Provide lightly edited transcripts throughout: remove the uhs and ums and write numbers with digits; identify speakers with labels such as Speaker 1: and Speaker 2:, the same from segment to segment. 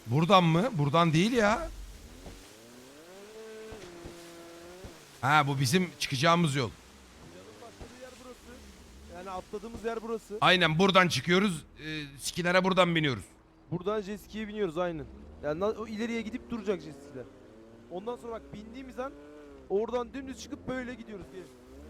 Speaker 1: Buradan mı? Buradan değil ya. Ha, bu bizim çıkacağımız yol.
Speaker 2: Planın başladığı yer burası. Yani atladığımız yer burası.
Speaker 1: Aynen buradan çıkıyoruz. Skilere buradan biniyoruz.
Speaker 2: Buradan jet ski'ye biniyoruz aynen. Yani o ileriye gidip duracak jet ski'ler. Ondan sonra bak bindiğimiz an oradan dümdüz çıkıp böyle gidiyoruz. Gelin.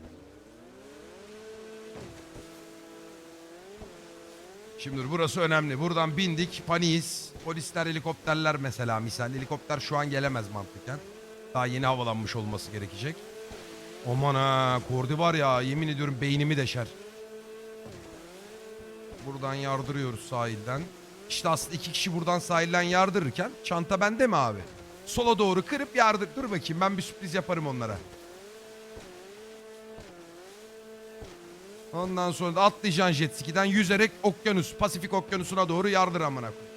Speaker 1: Şimdi burası önemli. Buradan bindik. Paniyiz. Polisler, helikopterler mesela. Misal helikopter şu an gelemez mantıken. Daha yeni havalanmış olması gerekecek. Aman ha, Kordi var ya, yemin ediyorum beynimi deşer. Buradan yardırıyoruz sahilden. İşte aslında iki kişi buradan sahilden yardırırken çanta bende mi abi? Sola doğru kırıp yardır. Dur bakayım, ben bir sürpriz yaparım onlara. Ondan sonra da atlayacaksın jet ski'den yüzerek okyanus, Pasifik okyanusuna doğru yardır amına koyayım.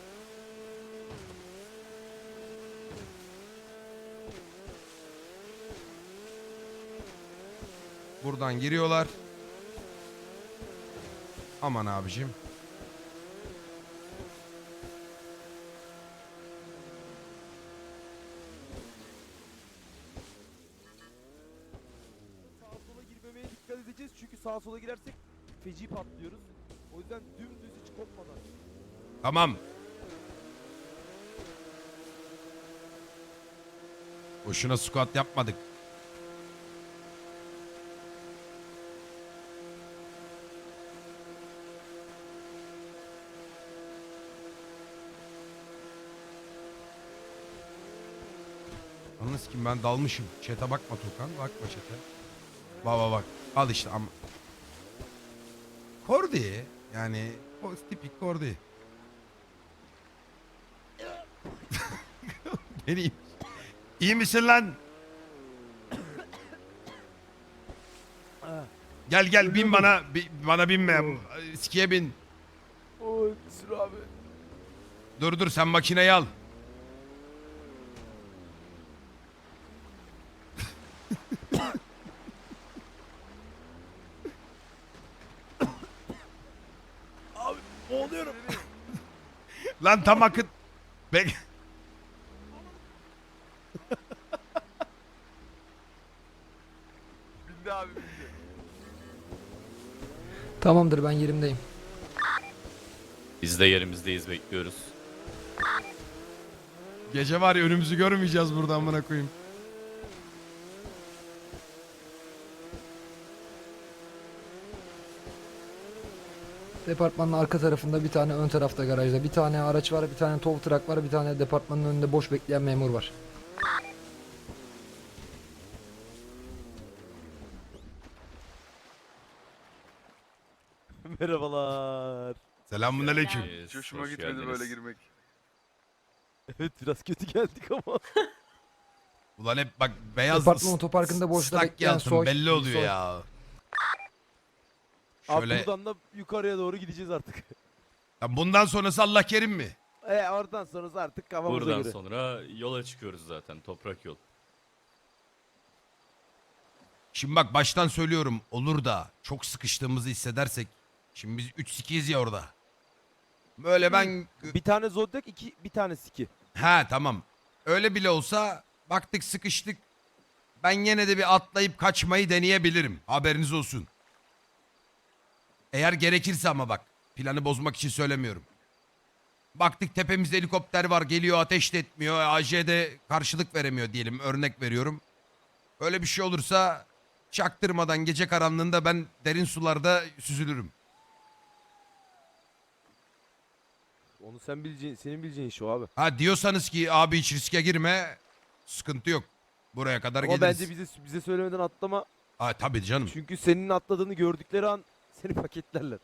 Speaker 1: Buradan giriyorlar. Aman abicim.
Speaker 2: Sağa sola girmemeye dikkat edeceğiz çünkü sağa sola girersek feci patlıyoruz. O yüzden dümdüz hiç kopmadan.
Speaker 1: Tamam. Boşuna squat yapmadık. Yalnız kim, ben dalmışım. Chat'e bakma Tukan. Bakma chat'e. Bak bak bak. Al işte ama. Kordi. Yani o tipik Kordi. Beni iyi misin lan? Gel gel bin bana. Bana binme. Skiye bin.
Speaker 2: Oy sür abi.
Speaker 1: Dur dur, sen makineyi al.
Speaker 2: Abi boğuluyorum.
Speaker 1: Lan tam akıt. Bek.
Speaker 2: Bindi abi bindi.
Speaker 3: Tamamdır, ben yerimdeyim.
Speaker 4: Biz de yerimizdeyiz, bekliyoruz.
Speaker 1: Gece var ya, önümüzü görmeyeceğiz buradan amına koyayım.
Speaker 3: Departmanın arka tarafında bir tane, ön tarafta garajda bir tane araç var, bir tane tow truck var, bir tane departmanın önünde boş bekleyen memur var.
Speaker 2: Merhabalar.
Speaker 1: Selamunaleyküm.
Speaker 4: Yes,
Speaker 5: Hoşuma
Speaker 4: hoş
Speaker 5: gitmedi
Speaker 4: geldiniz.
Speaker 5: böyle girmek.
Speaker 2: Evet biraz kötü geldik ama.
Speaker 1: Ulan hep bak beyaz
Speaker 3: Departman otoparkında boşta
Speaker 1: ıslak
Speaker 3: bekleyen
Speaker 1: yansın,
Speaker 3: soy.
Speaker 1: belli oluyor
Speaker 3: soy.
Speaker 1: ya.
Speaker 2: Abi
Speaker 1: Şöyle
Speaker 2: buradan da yukarıya doğru gideceğiz artık.
Speaker 1: ya bundan sonrası Allah kerim mi?
Speaker 2: Oradan sonrası artık kafamıza
Speaker 4: Buradan
Speaker 2: göre.
Speaker 4: sonra yola çıkıyoruz zaten, toprak yol.
Speaker 1: Şimdi bak baştan söylüyorum, olur da çok sıkıştığımızı hissedersek. Şimdi biz 3 sikiyiz ya orada. Böyle ben
Speaker 2: Bir tane Zodiac, bir tane Siki.
Speaker 1: ha tamam. Öyle bile olsa baktık sıkıştık. Ben yine de bir atlayıp kaçmayı deneyebilirim. Haberiniz olsun. Eğer gerekirse ama bak. Planı bozmak için söylemiyorum. Baktık tepemizde helikopter var, geliyor, ateş de etmiyor. AJ'de karşılık veremiyor diyelim, örnek veriyorum. Öyle bir şey olursa çaktırmadan gece karanlığında ben derin sularda süzülürüm.
Speaker 2: Onu sen bileceğin, senin bileceğin iş o abi.
Speaker 1: Ha diyorsanız ki abi hiç riske girme, sıkıntı yok. Buraya kadar
Speaker 2: Ama
Speaker 1: geliriz.
Speaker 2: bence bize söylemeden atlama.
Speaker 1: Ha tabii canım.
Speaker 2: Çünkü senin atladığını gördükleri an seni paketlerler.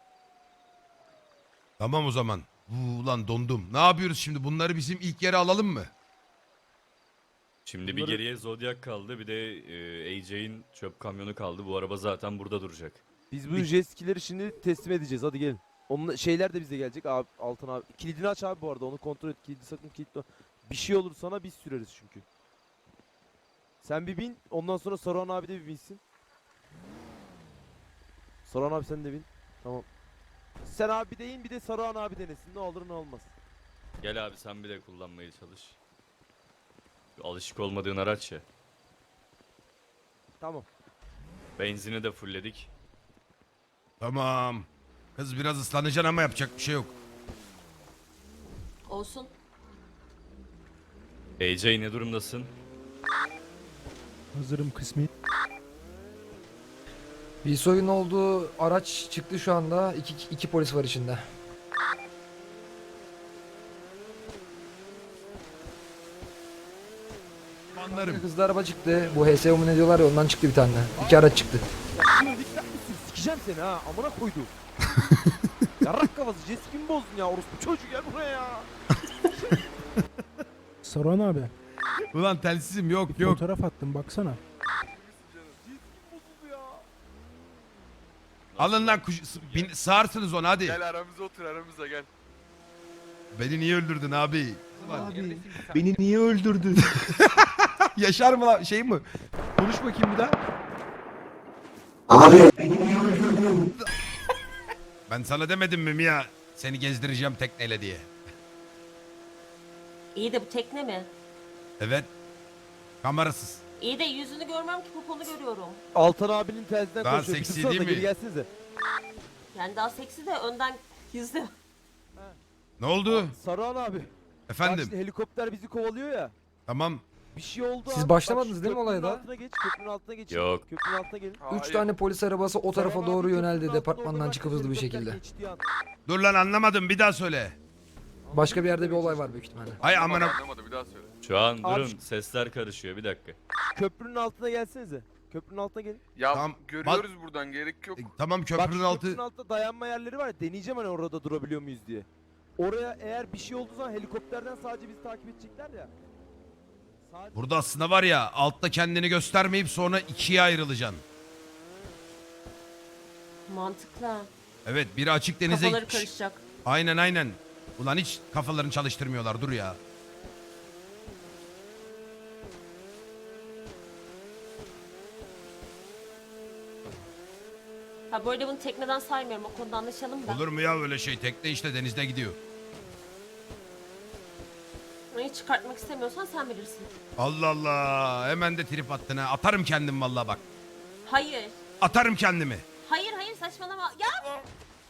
Speaker 1: Tamam o zaman. Ulan dondum. Ne yapıyoruz şimdi? Bunları bizim ilk yere alalım mı?
Speaker 4: Şimdi bir
Speaker 2: Bunları-
Speaker 4: geriye Zodiac kaldı, bir de AJ'in çöp kamyonu kaldı. Bu araba zaten burada duracak.
Speaker 2: Biz bu jet skileri şimdi teslim edeceğiz. Hadi gelin. Onun şeyler de bize gelecek abi, Altan abi. Kilidini aç abi bu arada. Onu kontrol et. Kilidi sakın kilitle. Bir şey olur sana biz süreriz çünkü. Sen bir bin. Ondan sonra Saruhan abi de bir binsin. Saruhan abi sen de bin. Tamam. Sen abi de in, bir de Saruhan abi denesin. Ne olur ne olmaz.
Speaker 4: Gel abi sen bir de kullanmaya çalış. Alışık olmadığın araç ya.
Speaker 2: Tamam.
Speaker 4: Benzini de fullledik.
Speaker 1: Tamam. Kız biraz ıslanacaksın ama yapacak bir şey yok.
Speaker 5: Olsun.
Speaker 4: AJ ne durumdasın?
Speaker 6: Hazırım kısmi.
Speaker 3: Bir soyun olduğu araç çıktı şu anda. İki polis var içinde.
Speaker 1: Anlarım.
Speaker 3: Hızlı araba çıktı. Bu HSO mu ne diyorlar ya, ondan çıktı bir tane. İki araç çıktı.
Speaker 2: Şunu dikkat misin? Sikeceğim seni ha. Amına koydum. Yarrak kafası. Jessica'mi bozdun ya. Orospu çocuğu gel buraya ya.
Speaker 6: Saruhan abi.
Speaker 1: Ulan telsizim yok
Speaker 6: Bir
Speaker 1: yok.
Speaker 6: fotoğraf attım baksana.
Speaker 2: Bozuldu ya.
Speaker 1: Alın lan sağırsınız onu hadi.
Speaker 7: Gel aramıza otur aramıza gel.
Speaker 1: Beni niye öldürdün abi?
Speaker 8: Abi beni niye öldürdün?
Speaker 1: Yaşar mı lan şey mi? Konuş bakayım bir daha.
Speaker 8: Abi
Speaker 1: Ben sana demedim mi Mia? Seni gezdireceğim tekneyle diye.
Speaker 5: İyi de bu tekne mi?
Speaker 1: Evet. Kamerasız.
Speaker 5: İyi de yüzünü görmem ki poponu görüyorum.
Speaker 2: Altan abinin tersinden
Speaker 1: Daha
Speaker 2: konuşuyor. Bir
Speaker 1: seksi
Speaker 2: tutsanıza,
Speaker 1: değil mi?
Speaker 2: Geri gelsinize.
Speaker 5: Yani daha seksi de önden gizli.
Speaker 1: Ne oldu?
Speaker 2: Saruhan abi. Bak
Speaker 1: Efendim.
Speaker 2: şimdi helikopter bizi kovalıyor ya.
Speaker 1: Tamam.
Speaker 2: Bir şey oldu
Speaker 3: Siz
Speaker 2: abi.
Speaker 3: başlamadınız
Speaker 2: Bak şu
Speaker 3: değil mi
Speaker 2: köprünün
Speaker 3: olaya da?
Speaker 2: altına geç. Köprünün altına geç.
Speaker 4: Yok.
Speaker 2: Köprünün altına gelin.
Speaker 3: Üç tane polis arabası o tarafa
Speaker 2: Saruhan
Speaker 3: doğru
Speaker 2: abi köprünün
Speaker 3: yöneldi
Speaker 2: altında
Speaker 3: departmandan
Speaker 2: orada
Speaker 3: çıkıp hızlı bir
Speaker 2: helikopter
Speaker 3: şekilde.
Speaker 2: geçtiği an.
Speaker 1: Dur lan anlamadım bir daha söyle.
Speaker 3: Başka bir yerde bir olay var büyük ihtimalle.
Speaker 1: Hay amına.
Speaker 7: Anlamadı bir daha söyle.
Speaker 4: Şu an
Speaker 2: Abi-
Speaker 4: durun sesler karışıyor bir dakika.
Speaker 2: Köprünün altına gelsenize. Köprünün altına gelin.
Speaker 7: Ya
Speaker 1: Tamam,
Speaker 7: görüyoruz buradan gerek yok.
Speaker 1: Tamam
Speaker 2: Bak
Speaker 1: köprünün
Speaker 2: şu
Speaker 1: altı.
Speaker 2: köprünün altında dayanma yerleri var ya. Deneyeceğim hani orada durabiliyor muyuz diye. Oraya eğer bir şey olduğu zaman helikopterden sadece bizi takip edecekler ya. Sadece...
Speaker 1: Burada aslında var ya altta kendini göstermeyip sonra ikiye ayrılacaksın.
Speaker 5: Mantıklı.
Speaker 1: Evet biri açık denize
Speaker 5: Kafaları
Speaker 1: gitmiş.
Speaker 5: karışacak.
Speaker 1: Aynen. Ulan hiç kafalarını çalıştırmıyorlar dur ya.
Speaker 5: Ha böyle bunu tekneden saymıyorum, o konuda anlaşalım da.
Speaker 1: Olur mu ya öyle şey tekne işte denizde gidiyor.
Speaker 5: Hiç çıkartmak istemiyorsan sen bilirsin.
Speaker 1: Allah Allah hemen de trip attın ha. Atarım kendim vallahi bak.
Speaker 5: Hayır.
Speaker 1: Atarım kendimi.
Speaker 5: Hayır saçmalama. Ya!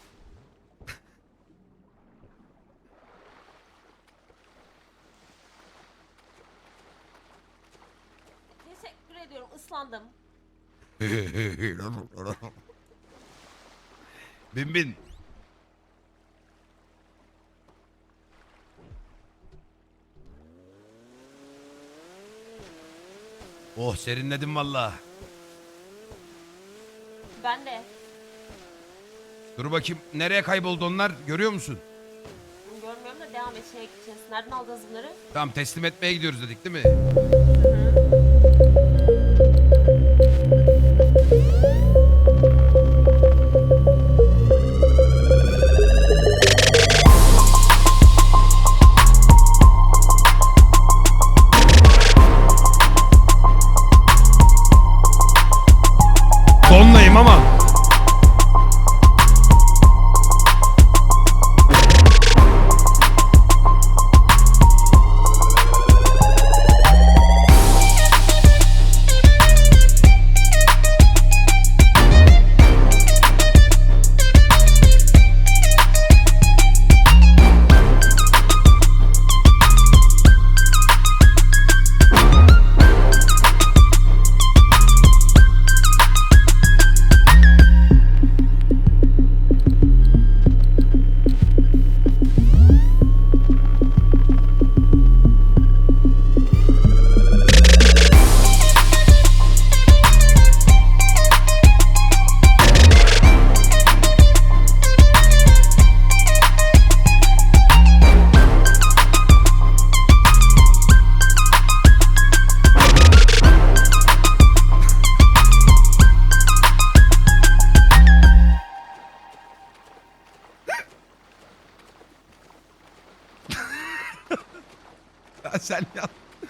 Speaker 5: Teşekkür ediyorum, ıslandım.
Speaker 1: Bin. Oh serinledim valla.
Speaker 5: Ben de.
Speaker 1: Dur bakayım nereye kayboldu onlar görüyor musun?
Speaker 5: Görmüyorum da devam et, şeye gideceğiz. Nereden aldınız bunları?
Speaker 1: Tamam teslim etmeye gidiyoruz dedik değil mi? Donlayım ama. Ya sen ya.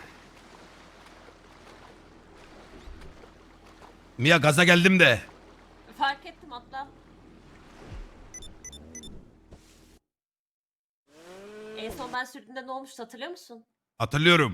Speaker 1: Mia gaza geldim de.
Speaker 5: Fark ettim, atla. En son ben sürdüğümde ne olmuştu hatırlıyor musun?
Speaker 1: Hatırlıyorum.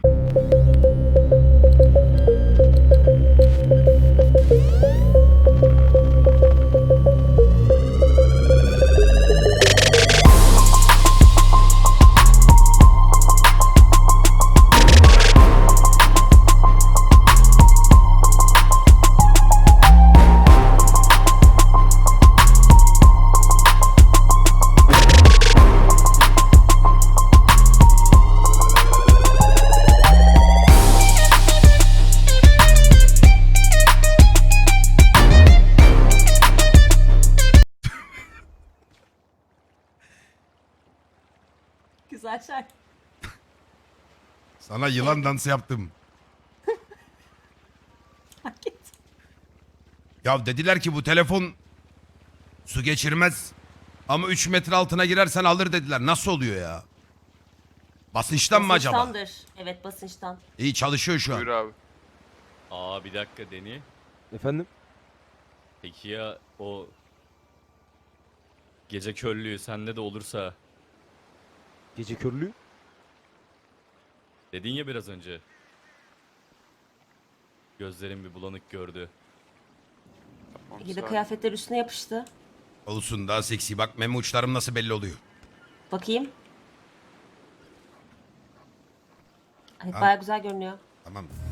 Speaker 5: Güzel şarkı.
Speaker 1: Sana yılan dansı yaptım.
Speaker 5: Hak et.
Speaker 1: Ya dediler ki bu telefon su geçirmez. Ama 3 metre altına girersen alır dediler. Nasıl oluyor ya? Basınçtan mı acaba?
Speaker 5: Basınçtandır. Evet basınçtan.
Speaker 1: İyi çalışıyor şu
Speaker 7: Buyur
Speaker 1: an.
Speaker 7: abi.
Speaker 4: Aa bir dakika Deni.
Speaker 2: Efendim?
Speaker 4: Peki ya o gece körlüğü sende de olursa
Speaker 2: Gece körlüğü?
Speaker 4: dedin ya biraz önce. Gözlerim bir bulanık gördü.
Speaker 7: Tamam,
Speaker 5: İyi de
Speaker 7: sağ ol.
Speaker 5: kıyafetler üstüne yapıştı.
Speaker 1: Olsun daha seksi. Bak meme uçlarım nasıl belli oluyor.
Speaker 5: Bakayım. Evet
Speaker 1: Ha.
Speaker 5: baya güzel görünüyor.
Speaker 1: Tamam.